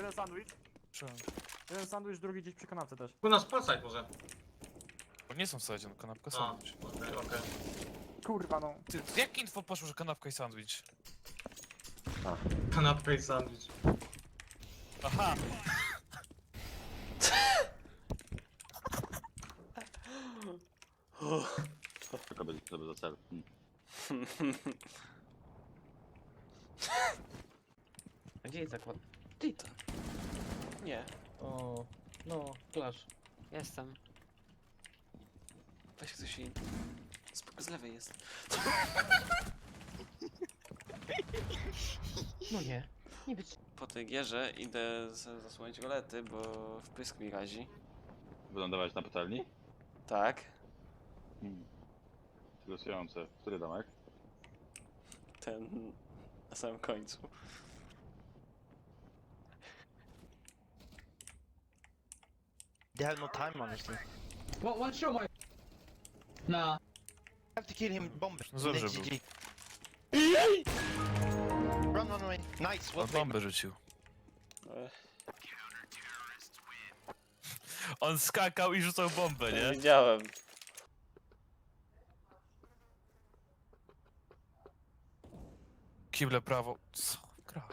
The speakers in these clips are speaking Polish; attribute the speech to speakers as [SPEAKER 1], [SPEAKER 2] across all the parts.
[SPEAKER 1] Jeden sandwich. Jeden sandwich, drugi gdzieś przy kanapce też.
[SPEAKER 2] U nas palsaj może.
[SPEAKER 3] Bo nie są w sadzie, no kanapka,
[SPEAKER 2] A,
[SPEAKER 3] sandwich.
[SPEAKER 2] okej.
[SPEAKER 1] Kurwa no.
[SPEAKER 3] Ty, jak info poszło, że kanapka i sandwich?
[SPEAKER 2] Kanapka i sandwich.
[SPEAKER 3] Aha!
[SPEAKER 4] Tylko będzie sobie za cel.
[SPEAKER 5] A gdzie jest zakład? Ty to. Nie. O, no, klasz.
[SPEAKER 6] Jestem.
[SPEAKER 5] Weź ktoś inny. Z lewej jest. No nie. Nie być. Po tej gierze idę zasłonić golety, bo wpysk mi razi.
[SPEAKER 4] Wylądować na patelni?
[SPEAKER 5] Tak.
[SPEAKER 4] Głosujące. Który domek?
[SPEAKER 5] Ten na samym końcu.
[SPEAKER 7] They have no time, honestly.
[SPEAKER 8] One show my. Nah.
[SPEAKER 7] Have to kill him. Bomb.
[SPEAKER 3] No dobrze
[SPEAKER 7] Next
[SPEAKER 3] był.
[SPEAKER 7] GG. Run, run, run. Nice. Well
[SPEAKER 3] On
[SPEAKER 7] played.
[SPEAKER 3] bombę rzucił. On skakał i rzucał bombę, nie?
[SPEAKER 5] Widziałem.
[SPEAKER 3] Kible prawo. Co? Gra.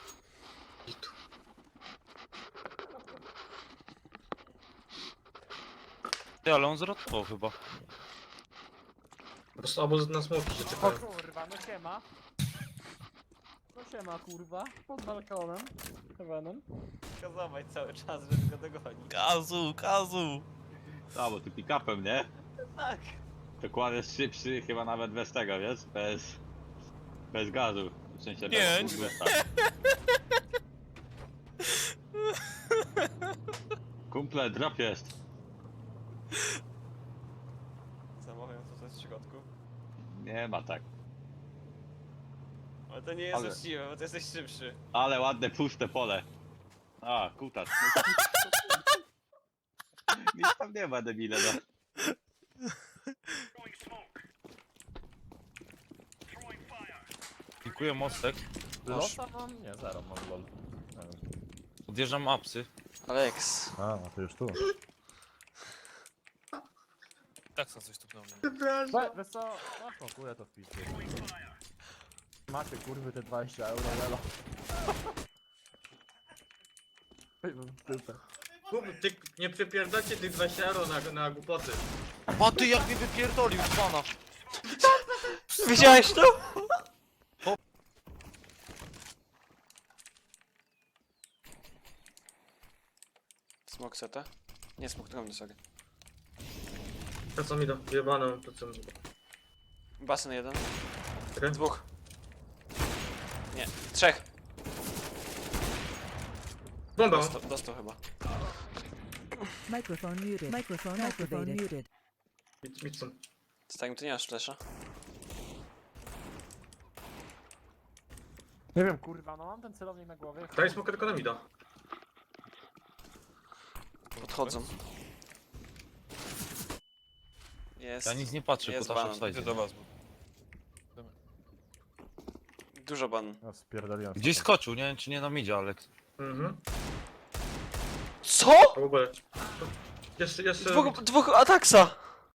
[SPEAKER 4] Ty, ale on zrotował chyba.
[SPEAKER 2] Po prostu obóz na smoki się
[SPEAKER 1] O
[SPEAKER 2] czekają.
[SPEAKER 1] kurwa, no siema. No siema kurwa. Pod balkonem. Heavenem.
[SPEAKER 5] Kazować cały czas, żeby go dogonić.
[SPEAKER 3] Kazu, Kazu!
[SPEAKER 4] A, bo ty pick-upem, nie?
[SPEAKER 5] Tak.
[SPEAKER 4] Dokładnie szybszy, chyba nawet bez tego, wiesz? Bez gazu. W sensie
[SPEAKER 3] Nie,
[SPEAKER 4] bez boosta. Kumple, drop jest.
[SPEAKER 5] Zamawiam to w środku.
[SPEAKER 4] Nie ma tak.
[SPEAKER 5] Ale to nie jest
[SPEAKER 4] Ale-
[SPEAKER 5] uczciwe, bo ty jesteś szybszy.
[SPEAKER 4] Ale ładne, puste pole. A, kutas. Nic tam nie ma, debile, no.
[SPEAKER 9] Dziękuję mostek.
[SPEAKER 1] Losa mam? Nie, zero mam lol. Nie wiem.
[SPEAKER 9] Odjeżdżam apsy.
[SPEAKER 5] Alex.
[SPEAKER 1] A, no to już tu.
[SPEAKER 3] Tak co coś tu do mnie.
[SPEAKER 1] Wiesz co? No smokuję to w picie. Macie kurwy te 20 euro, lelo.
[SPEAKER 2] Ty nie przypierdolcie tych 20 euro na głupoty.
[SPEAKER 9] A ty jak mnie wypierdolił z pana!
[SPEAKER 5] Widziałeś to? Smok seta? Nie, smok drobny, sorry.
[SPEAKER 2] To co mi do wyjebaną, to co mi do.
[SPEAKER 5] Basen jeden.
[SPEAKER 2] Czekaj.
[SPEAKER 5] Dwóch. Nie, trzech.
[SPEAKER 2] Bomba!
[SPEAKER 5] Dostał chyba.
[SPEAKER 10] Microphone muted. Microphone muted.
[SPEAKER 2] Midson.
[SPEAKER 5] Starim, ty nie masz flesza?
[SPEAKER 1] Nie wiem kurwa, no mam ten celownik na głowie.
[SPEAKER 2] Daj smoka tylko na mida.
[SPEAKER 5] Podchodzą. Jest.
[SPEAKER 9] Ja nic nie patrzę,
[SPEAKER 5] Jest
[SPEAKER 9] kutasza
[SPEAKER 5] banan.
[SPEAKER 9] wstajcie.
[SPEAKER 3] Idę do was, bo...
[SPEAKER 5] Dużo ban.
[SPEAKER 1] No spierdoliłem.
[SPEAKER 9] Gdzieś skoczył, nie wiem czy nie nam idzie, Alex.
[SPEAKER 2] Mhm.
[SPEAKER 5] Co?
[SPEAKER 2] A w ogóle. Jeszcze...
[SPEAKER 5] Dwóch ataksa!